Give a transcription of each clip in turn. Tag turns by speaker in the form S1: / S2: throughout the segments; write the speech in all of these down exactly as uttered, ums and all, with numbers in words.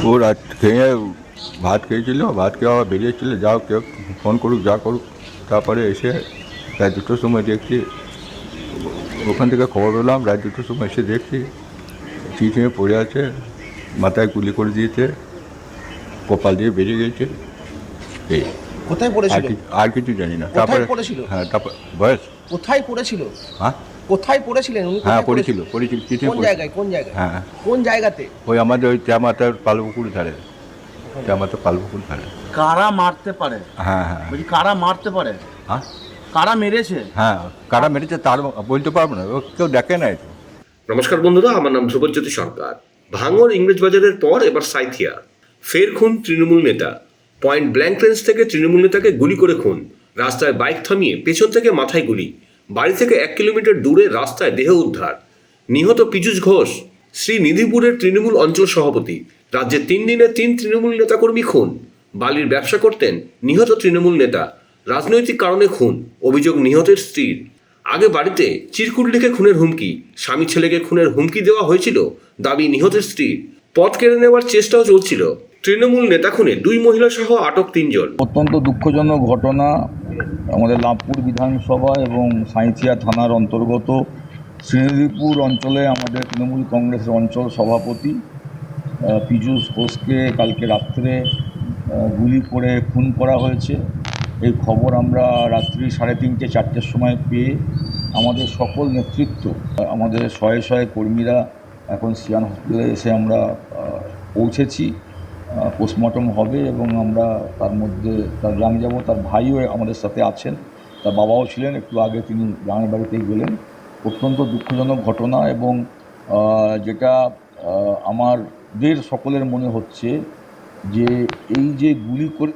S1: ও রাত খেয়ে ভাত খেয়েছিল, ভাত খেয়ে আবার বেরিয়েছিল, যাও কেউ ফোন করুক যা করুক। তারপরে এসে রাত দুটোর সময় দেখছি, ওখান থেকে খবর পেলাম, রাত দুটোর সময় এসে দেখছি চিঠিয়ে পড়ে আছে, মাথায় গুলি করে দিয়েছে, কপাল দিয়ে বেরিয়ে গেছে। এই
S2: কোথায়
S1: আর
S2: পড়েছিল?
S1: কি- আর কিছু জানি না।
S2: কোথায়
S1: তারপরে
S2: পড়েছিল?
S1: হ্যাঁ, তারপর বয়স
S2: কোথায় পড়েছিল?
S1: হ্যাঁ
S2: কোথায় পড়েছিলেন উনি?
S1: হ্যাঁ
S2: কোথায়
S1: পড়েছিল পড়েছিল চিঠি
S2: কোন জায়গায়? কোন জায়গায়?
S1: হ্যাঁ,
S2: কোন জায়গাতে?
S1: ওই আমাদের ওই ত্যামাতার পালপুকুর ধারে, ত্যামাতার পালপুকুর ধারে।
S3: কারা মারতে পারে?
S1: হ্যাঁ হ্যাঁ
S3: বলছি কারা মারতে পারে?
S1: হ্যাঁ
S3: কারা মেরেছে?
S1: হ্যাঁ কারা মেরেছে তার বলতে পারবো না, ও কেউ দেখে নাই তো।
S4: নমস্কার বন্ধুরা, আমার নাম ধ্রুবজ্যোতি সরকার। ভাঙড় ইংরেজ বাজারের পর এবার সাঁইথিয়া। ফের খুন তৃণমূল নেতা। পয়েন্ট ব্ল্যাঙ্ক রেঞ্জ থেকে তৃণমূল নেতাকে গুলি করে খুন। রাস্তায় বাইক থামিয়ে পেছন থেকে মাথায় গুলি। বাড়ি থেকে এক কিলোমিটার দূরে রাস্তায় দেহ উদ্ধার। নিহত পীযূষ ঘোষ শ্রীনিধিপুরের তৃণমূল অঞ্চল সভাপতি। রাজ্যে তিন দিনে তিন তৃণমূল নেতাকর্মী খুন। বালির ব্যবসা করতেন নিহত তৃণমূল নেতা। রাজনৈতিক কারণে খুন, অভিযোগ নিহতের স্ত্রীর। আগে বাড়িতে চিরকুট লিখে খুনের হুমকি, স্বামী ছেলেকে খুনের হুমকি দেওয়া হয়েছিল, দাবি নিহতের স্ত্রীর। পথ কেড়ে নেওয়ার চেষ্টাও চলছিল। তৃণমূল নেতা খুনে দুই মহিলা সহ আটক তিনজন।
S5: অত্যন্ত দুঃখজনক ঘটনা। আমাদের লাভপুর বিধানসভা এবং সাঁইথিয়া থানার অন্তর্গত শ্রীনিধিপুর অঞ্চলে আমাদের তৃণমূল কংগ্রেসের অঞ্চল সভাপতি আহ, পীযূষ ঘোষকে কালকে রাত্রে আহ, গুলি করে খুন করা হয়েছে। এই খবর আমরা রাত্রি সাড়ে তিনটে চারটের সময় পেয়ে আমাদের সকল নেতৃত্ব, আমাদের শয়ে শয়ে কর্মীরা এখন সিয়ান হসপিটালে এসে আমরা আহ, পৌঁছেছি। পোস্টমর্টম হবে এবং আমরা তার মধ্যে তার গ্রামে যাব। তার ভাইও আমাদের সাথে আছেন, তার বাবাও ছিলেন, একটু আগে তিনি গ্রামের বাড়িতে গেলেন। অত্যন্ত দুঃখজনক ঘটনা এবং আহ, যেটা আহ, আমাদের সকলের মনে হচ্ছে যে এই যে গুলি করে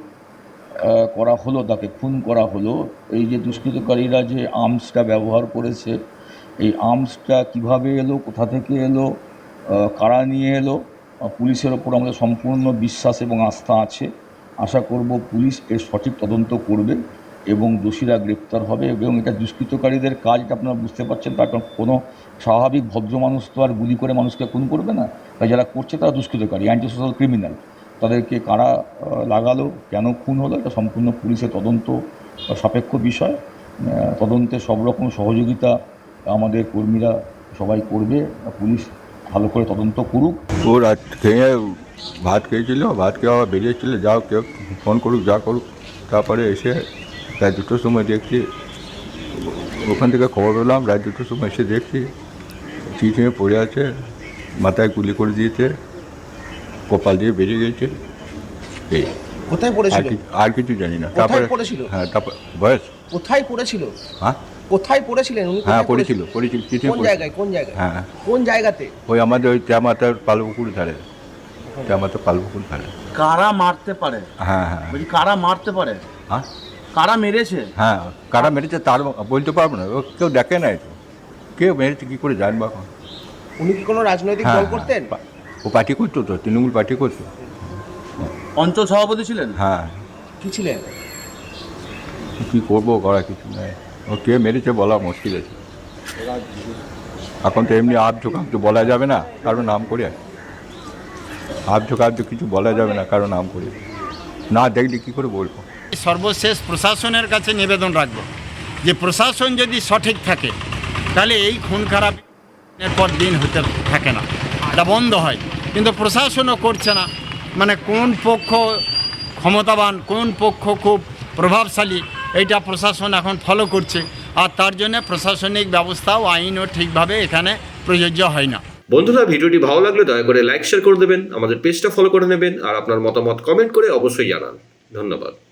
S5: আহ, করা হলো, তাকে খুন করা হলো, এই যে দুষ্কৃতকারীরা যে আর্মসটা ব্যবহার করেছে, এই আর্মসটা কিভাবে এলো, কোথা থেকে এলো, আহ, কারা নিয়ে এলো, আহ, পুলিশের ওপর আমাদের সম্পূর্ণ বিশ্বাস এবং আস্থা আছে। আশা করব পুলিশ এর সঠিক তদন্ত করবে এবং দোষীরা গ্রেপ্তার হবে। এবং এটা দুষ্কৃতকারীদের কাজ, এটা আপনারা বুঝতে পারছেন। তার কারণ কোনো স্বাভাবিক ভদ্র মানুষ তো আর গুলি করে মানুষকে খুন করবে না। তাই যারা করছে তারা দুষ্কৃতকারী, অ্যান্টি সোশ্যাল ক্রিমিনাল। তাদেরকে কারা আহ, লাগালো, কেন খুন হলো, এটা সম্পূর্ণ পুলিশের তদন্ত সাপেক্ষ বিষয়। আহ, তদন্তে সব রকম সহযোগিতা আমাদের কর্মীরা সবাই করবে। পুলিশ ভালো করে তদন্ত করুক।
S1: ও রাত খেয়ে ভাত খেয়েছিল, ভাত খেয়ে আবার বেরিয়েছিল, যাও কেউ ফোন করুক যা করুক। তারপরে এসে রাত দুটোর সময় দেখছি, ওখান থেকে খবর পেলাম, রাত দুটোর সময় এসে দেখছি চিঠিয়ে পড়ে আছে, মাথায় গুলি করে দিয়েছে, কপাল দিয়ে বেরিয়ে গেছে। এই
S2: কোথায়
S1: আর
S2: পড়েছিল?
S1: কি- আর কিছু জানি না।
S2: কোথায়
S1: তারপরে
S2: পড়েছিল?
S1: হ্যাঁ, তারপর বয়স
S2: কোথায় পড়েছিল?
S1: হ্যাঁ
S2: কোথায় পড়েছিলেন উনি?
S1: হ্যাঁ
S2: কোথায়
S1: পড়েছিল পড়েছিল চিঠি
S2: কোন জায়গায়? কোন জায়গায়?
S1: হ্যাঁ
S2: কোন জায়গাতে?
S1: ওই আমাদের ওই ত্যামাতার পালপুকুর ধারে, ত্যামাতার পালপুকুর ধারে।
S3: কারা মারতে পারে?
S1: হ্যাঁ হ্যাঁ
S3: বলছি কারা মারতে পারে?
S1: হ্যাঁ
S3: কারা মেরেছে?
S1: হ্যাঁ কারা মেরেছে তার বলতে পারবো না, ও কেউ দেখে নাই তো, কেউ মেরেছে কী করে জানবো এখন।
S2: উনি কি কোনো রাজনৈতিক
S1: হ্যাঁ
S2: দল করতেন?
S1: হ্যাঁ, ও পার্টি করতো তো, তৃণমূল পার্টি করতো।
S3: অঞ্চল সভাপতি ছিলেন?
S1: হ্যাঁ
S2: কি ছিলেন?
S1: কী করবো, করা কিছু নেই। ও কে মেরেছে বলা মুশকিল আছে এখন তো। এমনি আপ ঝোঁকাপ তো বলা যাবে না কারো নাম করে, আপ ঝোঁকাপ তো কিছু বলা যাবে না কারো নাম করে, না দেখলে কী করে বলবো।
S6: সর্বশেষ প্রশাসনের কাছে নিবেদন রাখব যে প্রশাসন যদি সঠিক থাকে তাহলে এই খুন খারাপ দিনের পর দিন হতে থাকে না, এটা বন্ধ হয়। কিন্তু প্রশাসনও করছে না, মানে কোন পক্ষ ক্ষমতাবান, কোন পক্ষ খুব প্রভাবশালী, এইটা প্রশাসন এখন ফলো করছে। আর তার জন্য প্রশাসনিক ব্যবস্থা ও আইনও ঠিকভাবে এখানে প্রযোজ্য হয় না।
S4: বন্ধুরা, ভিডিওটি ভালো লাগলে দয়া করে লাইক শেয়ার করে দেবেন, আমাদের পেজটা ফলো করে নেবেন আর আপনার মতামত কমেন্ট করে অবশ্যই জানান। ধন্যবাদ।